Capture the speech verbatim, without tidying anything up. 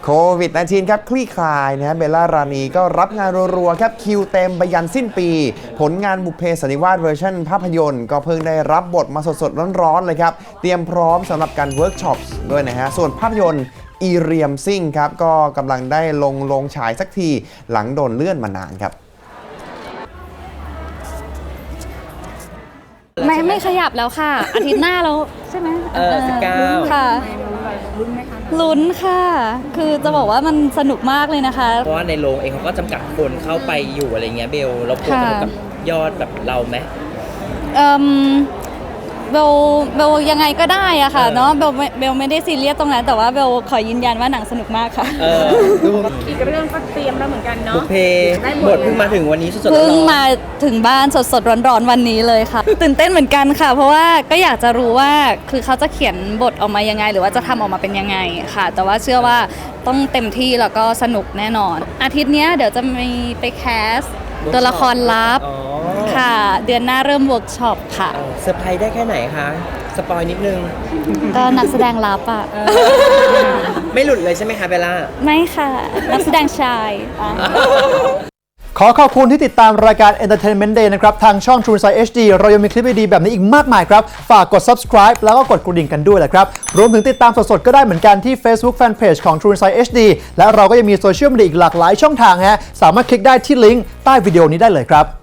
โควิด สิบเก้า ครับคลี่คลายนะฮะเบลล่ารานีก็รับงานรัวๆครับคิวเต็มไปยันสิ้นปีผลงานบุพเพสันนิวาสเวอร์ชันภาพยนตร์ก็เพิ่งได้รับบทมาสดๆร้อนๆเลยครับเตรียมพร้อมสำหรับการเวิร์กช็อปด้วยนะฮะส่วนภาพยนตร์อีเรียมซิ่งครับก็กำลังได้ลงลงฉายสักทีหลังโดนเลื่อนมานานครับไม่ไม่ขยับแล้วค่ะ อาทิตย์หน้าแล้วใช่ไหมเออสิบเก้าค่ะลุ้นไหมคะลุ้นค่ะคือจะบอกว่ามันสนุกมากเลยนะคะเพราะว่าในโรงเองเขาก็จำกัดคนเข้าไปอยู่อะไรเงี้ยเบลเราพูดกับยอดแบบเราไหมเอ่อเบลเบลยังไงก็ได้อะค่ะเนาะเบลเบลไม่ได้ซีเรียสตรงนั้นแต่ว่าเบลขอยืนยันว่าหนังสนุกมากค่ะเอออีกเรื่องก็เตรียมแล้วเหมือนกันเนาะบุพเพบทเพิ่งมาถึงวันนี้สดๆร้อนเพิ่งมาถึงบ้านสดๆร้อนๆวันนี้เลยค่ะตื่นเต้นเหมือนกันค่ะเพราะว่าก็อยากจะรู้ว่าคือเขาจะเขียนบทออกมายังไงหรือว่าจะทำออกมาเป็นยังไงค่ะแต่ว่าเชื่อว่าต้องเต็มที่แล้วก็สนุกแน่นอนอาทิตย์นี้เดี๋ยวจะมีไปแคสตัวละครลับค่ะเดือนหน้าเริ่มเวิร์กช็อปค่ะเซอร์ไพรส์ได้แค่ไหนคะสปอยนิดนึงก็นักแสดงลับอ่ะไม่หลุดเลยใช่ไหมคะเบลล่าไม่ค่ะนักแสดงชายขอขอบคุณที่ติดตามรายการ Entertainment Day นะครับทางช่อง True Insight เอช ดี เรายังมีคลิปดีๆแบบนี้อีกมากมายครับฝากกด subscribe แล้วก็กดกระดิ่งกันด้วยแหละครับรวมถึงติดตามสดๆก็ได้เหมือนกันที่ Facebook Fanpage ของ True Insight เอช ดี และเราก็ยังมีโซเชียลมีเดียอีกหลากหลายช่องทางฮะสามารถคลิกได้ที่ลิงก์ใต้วิดีโอนี้ได้เลยครับ